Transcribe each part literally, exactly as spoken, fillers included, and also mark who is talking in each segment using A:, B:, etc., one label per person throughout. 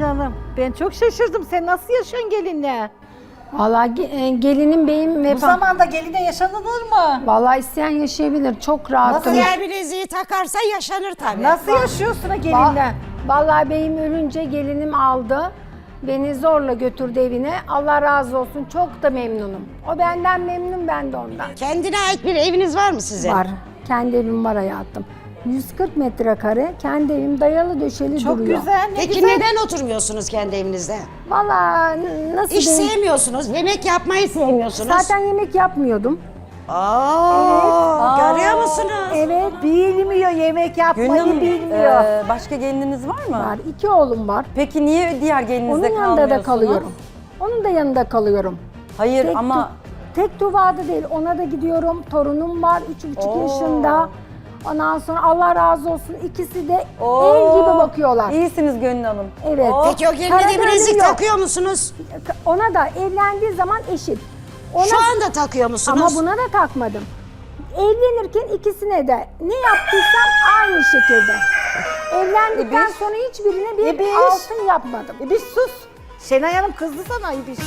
A: Hanım. Ben çok şaşırdım. Sen nasıl yaşıyorsun gelinle?
B: Vallahi ge- e, gelinim beyim ve
A: Bu zamanda geline yaşanılır mı?
B: Vallahi isteyen yaşayabilir. Çok rahatım.
C: Diğer bileziği takarsa yaşanır tabii.
A: Nasıl yaşıyorsun ha
B: Va-
A: gelinle?
B: Vallahi beyim ölünce gelinim aldı. Beni zorla götürdü evine. Allah razı olsun. Çok da memnunum. O benden memnun, ben de ondan.
C: Kendine ait bir eviniz var mı sizin?
B: Var. Kendi evim var hayatım. yüz kırk metrekare kendi evim dayalı döşeli
A: Çok
B: duruyor.
A: güzel, ne
C: Peki
A: güzel.
C: neden oturmuyorsunuz kendi evinizde?
B: Vallahi n- nasıl
C: İş
B: diyeyim?
C: sevmiyorsunuz, yemek yapmayı sevmiyorsunuz.
B: Zaten yemek yapmıyordum.
C: Aa, görüyor musunuz?
B: Evet.
A: Bilmiyor, yemek yapmayı
D: Gönül,
A: bilmiyor.
D: e, başka gelininiz var mı?
B: Var. İki oğlum var.
D: Peki niye diğer gelininizde
B: Onun yanında
D: kalmıyorsunuz?
B: da kalıyorum. Onun da yanında kalıyorum.
D: Hayır
B: Tek,
D: ama
B: tu- tek tuvada değil, ona da gidiyorum. Torunum var, üç buçuk
D: Oo.
B: yaşında. Ondan sonra Allah razı olsun, ikisi de
D: Oo,
B: el gibi bakıyorlar.
D: İyisiniz Gönül Hanım.
B: Evet.
C: Peki o geline
B: Para
C: de
B: da
C: bilezik
B: ölüm yok.
C: takıyor musunuz?
B: Ona da evlendiği zaman eşit. Ona,
C: Şu anda takıyor musunuz?
B: ama buna da takmadım. Evlenirken ikisine de ne yaptıysam aynı şekilde. Evlendikten
A: İbiş.
B: sonra hiçbirine bir
A: İbiş.
B: altın yapmadım.
A: İbiş sus. Şenay Hanım kızdı sana İbiş.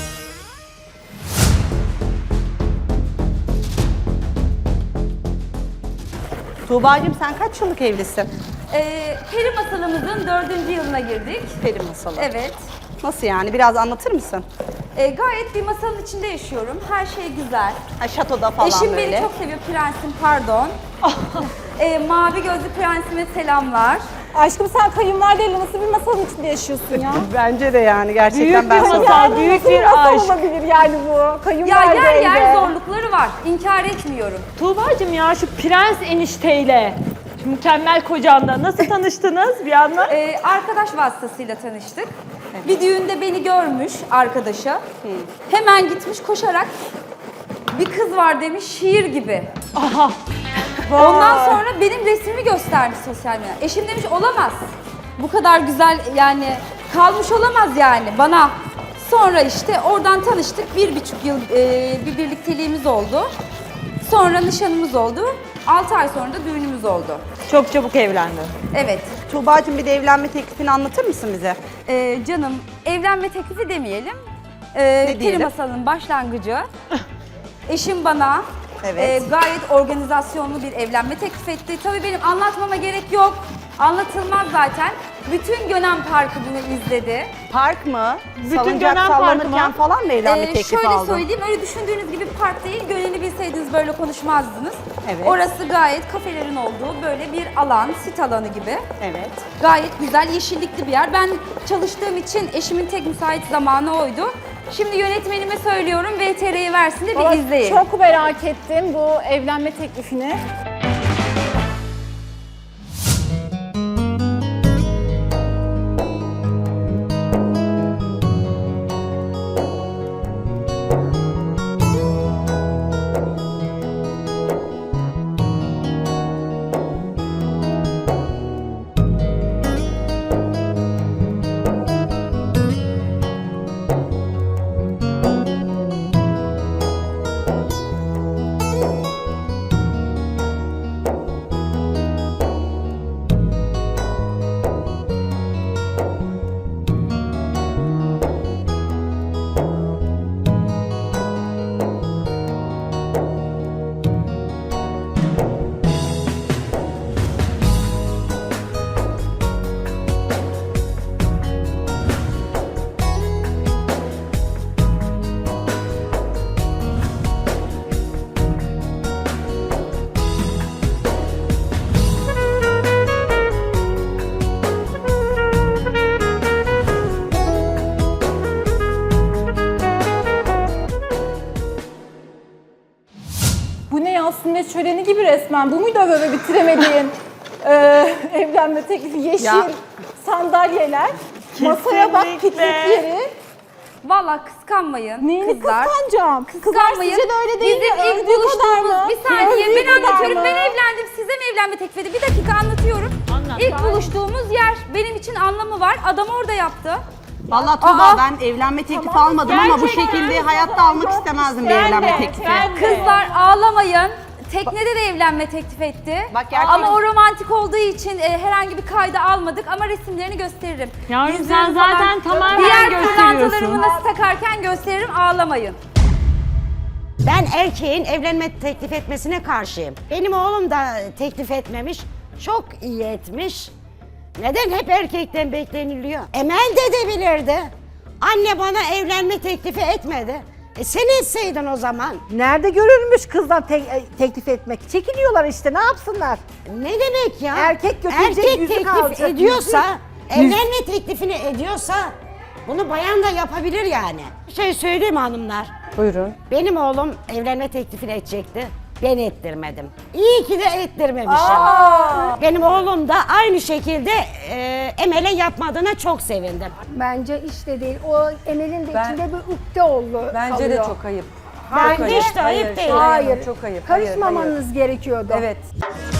E: Tuğba'cığım sen kaç yıllık evlisin?
F: Ee, peri masalımızın dördüncü yılına girdik.
E: Peri masalı.
F: Evet.
E: Nasıl yani? Biraz anlatır mısın?
F: Ee, gayet bir masalın içinde yaşıyorum. Her şey güzel.
E: Ha, şatoda falan
F: Eşim
E: böyle.
F: beni çok seviyor, prensim pardon. Ee, mavi gözlü prensime selamlar.
G: Aşkım sen kayınvalideyle nasıl bir masalın içinde yaşıyorsun ya?
E: Bence de yani gerçekten
G: Büyük
E: ben
G: bir
E: sana-
G: masal, büyük bir masal olabilir yani bu.
F: Ya
G: Kayınvalide
F: yer yer
G: evde.
F: zorlukları var. İnkar etmiyorum.
H: Tuğba'cığım ya şu prens enişteyle, şu mükemmel kocanla nasıl tanıştınız bir anda?
F: Ee, arkadaş vasıtasıyla tanıştık. Bir düğünde beni görmüş arkadaşa. Hemen gitmiş koşarak bir kız var demiş şiir gibi.
H: Aha.
F: Ondan sonra benim resmimi göstermiş sosyal medyada. Eşim demiş olamaz. Bu kadar güzel yani kalmış olamaz yani bana. Sonra işte oradan tanıştık. Bir buçuk yıl e, bir birlikteliğimiz oldu. Sonra nişanımız oldu. Altı ay sonra da düğünümüz oldu.
H: Çok çabuk evlendin.
F: Evet.
E: Tuğba'cığım bir de evlenme teklifini anlatır mısın bize?
F: Ee, canım evlenme teklifi demeyelim. Ee, Peri
E: diyelim?
F: masalının başlangıcı. Eşim bana
E: Evet.
F: e, gayet organizasyonlu bir evlenme teklif etti. Tabii benim anlatmama gerek yok. Anlatılmaz zaten. Bütün Gönen Parkı bunu izledi.
E: Park mı?
H: Bütün
E: Salıncak
H: Gönen Parkı
E: sallanırken
H: mı?
E: falan mı evlenme
F: Ee,
E: teklifi
F: şöyle
E: aldın?
F: söyleyeyim, öyle düşündüğünüz gibi bir park değil. Gönen'i bilseydiniz böyle konuşmazdınız.
E: Evet.
F: Orası gayet kafelerin olduğu böyle bir alan, sit alanı gibi.
E: Evet.
F: Gayet güzel, yeşillikli bir yer. Ben çalıştığım için eşimin tek müsait zamanı oydu. Şimdi yönetmenime söylüyorum, V T R'yi versin de bir
G: Valla
F: izleyin.
G: Çok merak ettim bu evlenme teklifini. Bu ne ya, sünnet şöleni gibi resmen. Bu muydu böyle bitiremediğin e, evlenme teklifi? Yeşil
E: Ya.
G: sandalyeler, masaya bak, piknik yeri.
F: Vallahi kıskanmayın
G: Neyini
F: kızlar.
G: kıskanacağım? Kızlar
F: Kıskanmayın.
G: sizce de öyle değil
F: Bizim
G: mi?
F: ilk
G: Övdüğü kadar
F: buluştuğumuz,
G: mı?
F: bir saniye
G: Övdüğü
F: ben
G: kadar
F: anlatıyorum.
G: mı?
F: Ben evlendim, size mi evlenme teklif edildi? Bir dakika anlatıyorum.
H: Anlat.
F: İlk buluştuğumuz yer benim için anlamı var. Adam orada yaptı.
E: Vallahi Tuğba
F: Aa.
E: ben evlenme teklifi almadım ama bu
H: Gerçekten.
E: şekilde hayatta almak istemezdim bir
H: Ben
E: evlenme
H: de,
E: teklifi.
H: ben de.
F: Kızlar ağlamayın. teknede de evlenme teklif etti.
E: Bak gerçekten-
F: Ama o romantik olduğu için e, herhangi bir kayda almadık ama resimlerini gösteririm.
H: Yavrum,
F: Yüzüğümü
H: sen
F: falan-
H: zaten tamamen
F: Diğer
H: gösteriyorsun.
F: pırlantalarımı nasıl takarken gösteririm, ağlamayın.
C: Ben erkeğin evlenme teklif etmesine karşıyım. Benim oğlum da teklif etmemiş. Çok iyi etmiş. Neden hep erkekten bekleniliyor? Emel de edebilirdi. Anne bana evlenme teklifi etmedi. E sen etseydin o zaman.
A: Nerede görülmüş kızdan te- e, teklif etmek? Çekiniyorlar işte, ne yapsınlar?
C: Ne demek ya?
A: Erkek götürecek,
C: Erkek
A: yüzük
C: teklif
A: alacak,
C: ediyorsa,
A: yüzük.
C: evlenme teklifini ediyorsa bunu bayan da yapabilir yani. Bir şey söyleyeyim mi hanımlar?
D: Buyurun.
C: Benim oğlum evlenme teklifini edecekti. Ben ettirmedim. İyi ki de ettirmemişim. Benim oğlum da aynı şekilde e, Emel'e yapmadığına çok sevindim.
B: Bence işte değil. O Emel'in de
D: Ben-
B: içinde bir ukde oldu.
D: Bence de
B: kalıyor.
D: çok ayıp.
C: Bence
D: Çok ayıp.
C: işte ayıp
D: Hayır,
C: değil.
D: Şenay Hanım,
B: Hayır.
D: çok ayıp. Hayır,
B: Karışmamanız
D: hayır.
B: gerekiyordu.
D: Evet.